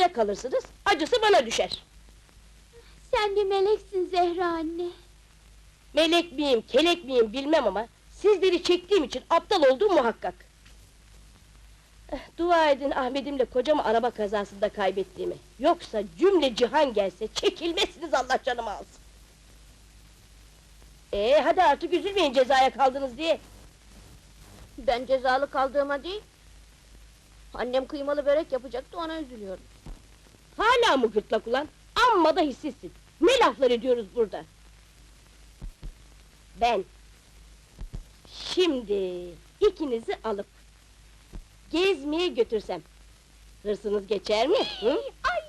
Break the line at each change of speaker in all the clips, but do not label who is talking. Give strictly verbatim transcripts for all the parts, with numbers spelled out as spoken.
cezaya kalırsınız, acısı bana düşer.
Sen bir meleksin Zehra anne.
Melek miyim, kelek miyim bilmem ama sizleri çektiğim için aptal olduğum muhakkak. Eh, Dua edin Ahmet'imle kocamı araba kazasında kaybettiğimi. Yoksa cümle cihan gelse çekilmezsiniz, Allah canımı alsın. Ee, hadi artık üzülmeyin cezaya kaldınız diye.
Ben cezalı kaldığıma değil. Annem kıymalı börek yapacaktı, ona üzülüyorum.
Hala mı gırtlak ulan? Amma da hissizsin. Ne laflar ediyoruz burada? Ben şimdi ikinizi alıp gezmeye götürsem hırsınız geçer mi? Hı?
Ay!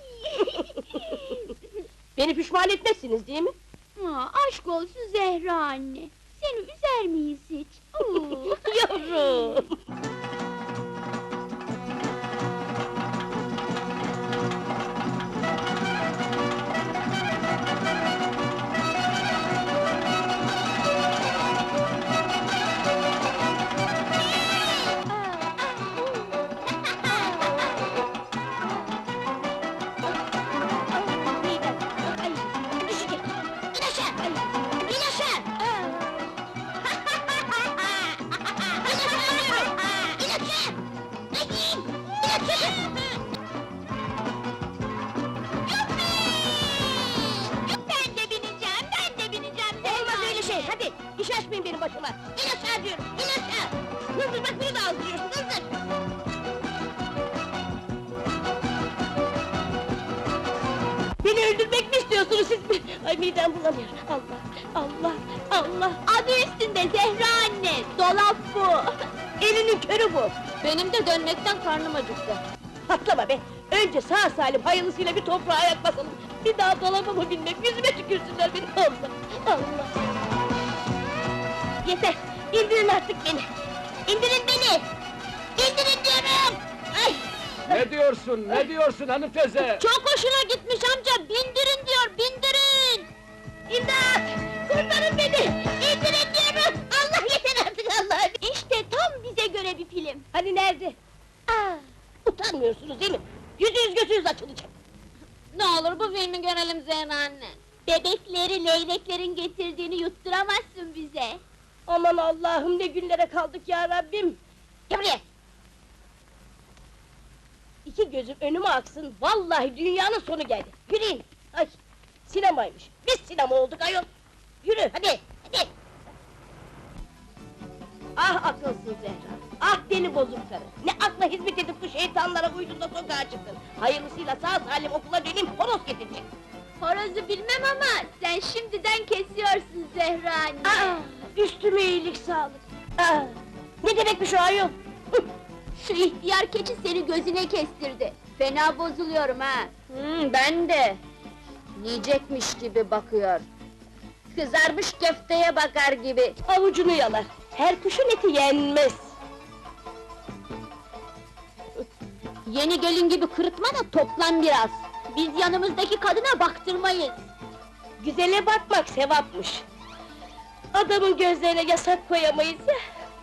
Beni pişman etmezsiniz değil mi?
Aa, aşk olsun Zehra anne. Seni üzer miyiz hiç? Oo.
Yavrum! Ay, düşecek! İn aşağı! Ay, in aşağı!
Ben de bineceğim, ben de bineceğim.
Olmaz öyle şey, hadi! İş açmayın benim başıma! İn aşağı diyorum, in aşağı! Hızır bak bunu da azdırıyorsun, hızır! Beni öldürmek mi istiyorsunuz siz mi? Ay midem bulanıyor, Allah, Allah, Allah!
Adı üstünde Zehra anne, dolap bu.
Elinin körü bu!
Benim de dönmekten karnım acıktı.
Patlama be! Önce sağ salim hayırlısıyla bir toprağa ayak basalım! Bir daha dolabımı bilmem, yüzüme tükürsünler beni, Allah! Allah! Yeter! İndirin artık beni! İndirin beni! İndirin diyorum! Ay!
Ne diyorsun, ne diyorsun hanım teyze?
Çok hoşuna gitmiş amca, bindirin diyor, bindirin!
İmdat! Kurtarın beni! İndirin diyorum! Allah yeter artık Allah!
İşte tam bize göre bir film.
Hani nerede? Aa, utanmıyorsunuz değil mi? Yüzünüz gözünüz açılacak!
Ne olur bu filmi görelim Zehra anne. Bebekleri, leyleklerin getirdiğini yutturamazsın bize.
Aman Allah'ım, ne günlere kaldık ya Rabbim! Gel buraya! İki gözüm önüme aksın, vallahi dünyanın sonu geldi! Yürüyün! Ay! Sinemaymış! Biz sinema olduk ayol! Yürü, hadi! Hadi! Ah akılsız Zehra! Ah deli bozuk karı! Ne akla hizmet edip bu şeytanlara uydun da sokağa çıktın! Hayırlısıyla sağ salim okula döneyim, horoz getirecek!
Horozu bilmem ama sen şimdiden kesiyorsun Zehra anne.
Aa, üstüme iyilik sağlık! Aa, ne demekmiş o ayol? Hıh!
Şu ihtiyar keçi seni gözüne kestirdi. Fena bozuluyorum ha. Hmm, ben de. Yiyecekmiş gibi bakıyor. Kızarmış köfteye bakar gibi.
Avucunu yalar! Her kuşun eti yenmez!
Yeni gelin gibi kırıtma da toplan biraz. Biz yanımızdaki kadına baktırmayız.
Güzele bakmak sevapmış! Adamın gözlerine yasak koyamayız ya!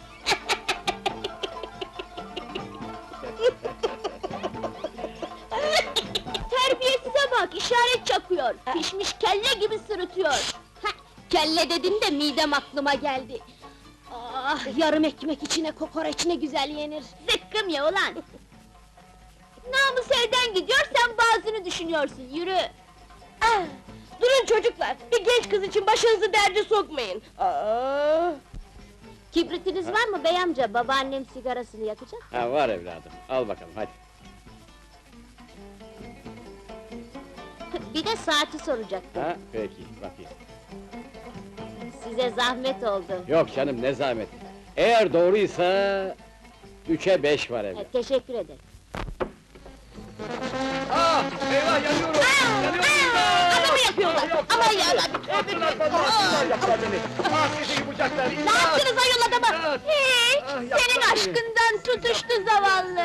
Terbiyesize bak, işaret çakıyor. Pişmiş kelle gibi sırıtıyor. Hah, kelle dedin de midem aklıma geldi. Ah, yarım ekmek içine kokoreç ne güzel yenir. Zıkkım ya ulan! Namus elden gidiyor, sen bazını düşünüyorsun, yürü!
Ah, durun çocuklar! Bir genç kız için başınızı derde sokmayın! Aa!
Kibritiniz var mı bey amca? Babaannem sigarasını yakacak.
Ha var evladım, al bakalım hadi.
Bir de saati soracaktım.
Ha peki, bakayım.
Size zahmet oldu.
Yok canım, ne zahmet. Eğer doğruysa... Üçe beş var
E,
evladım.
teşekkür ederim.
Ah! Eyvah, yanıyorum! Yanıyorum!
Adamı yapıyorlar! Aman ya!
Yaptılar bana, yaptılar, yaptılar beni! Ah, sizi yapacaklar!
Ne yaptınız ayol adama?
Evet.
Hiç!
Ah, yaptılar
Senin
beni.
aşkından tutuştu zavallı!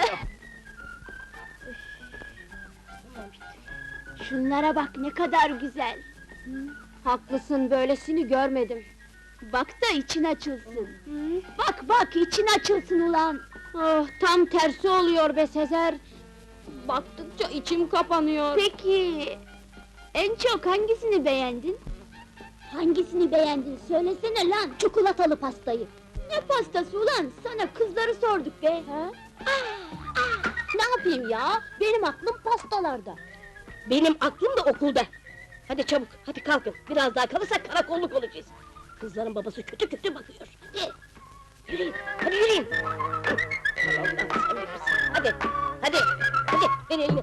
Şunlara bak, ne kadar güzel! Haklısın, böylesini görmedim. Bak da için açılsın. Bak bak, için açılsın ulan! Oh, tam tersi oluyor be Sezer! Baktıkça içim kapanıyor. Peki, en çok hangisini beğendin? Hangisini beğendin? Söylesene lan, çikolatalı pastayı. Ne pastası ulan? Sana kızları sorduk be! Ha? Aa, aa, ne yapayım ya? Benim aklım pastalarda.
Benim aklım da okulda. Hadi çabuk, hadi kalkın. Biraz daha kalırsak karakolluk olacağız. Kızların babası kötü kötü bakıyor. Hadi, yürüyün, hadi yürüyün. Allah'ım sen bilirsin. Hadi, hadi, hadi, ver elini.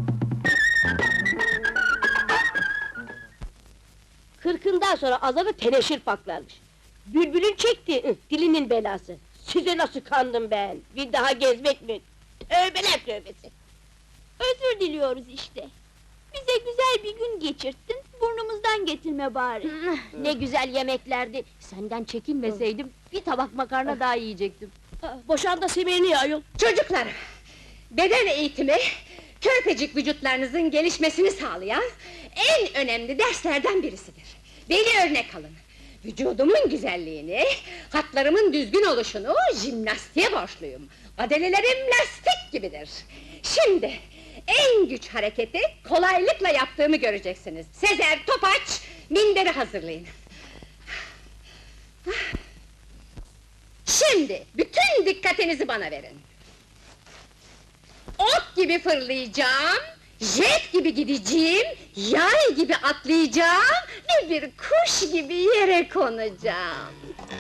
Kırkından sonra azarı teneşir paklarmış. Bülbülün çekti, ıh, dilinin belası. Size nasıl kandım ben? Bir daha gezmek mi? Tövbeler tövbesi!
Özür diliyoruz işte. Bize güzel bir gün geçirttin, burnumuzdan getirme bari.
Ne güzel yemeklerdi. Senden çekinmeseydim bir tabak makarna daha yiyecektim.
Ah, boşan da semerini ya ayol!
Çocuklar, beden eğitimi, körpecik vücutlarınızın gelişmesini sağlayan en önemli derslerden birisidir. Beni örnek alın. Vücudumun güzelliğini, hatlarımın düzgün oluşunu jimnastiğe borçluyum. Adelelerim lastik gibidir. Şimdi en güç hareketi kolaylıkla yaptığımı göreceksiniz. Sezer, Topaç, minderi hazırlayın. Şimdi bütün dikkatinizi bana verin. Ok gibi fırlayacağım, jet gibi gideceğim, yay gibi atlayacağım ve bir kuş gibi yere konacağım.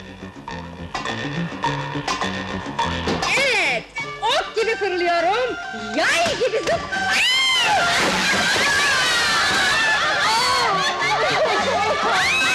Evet, ok gibi fırlıyorum, yay gibi zıp... Aa!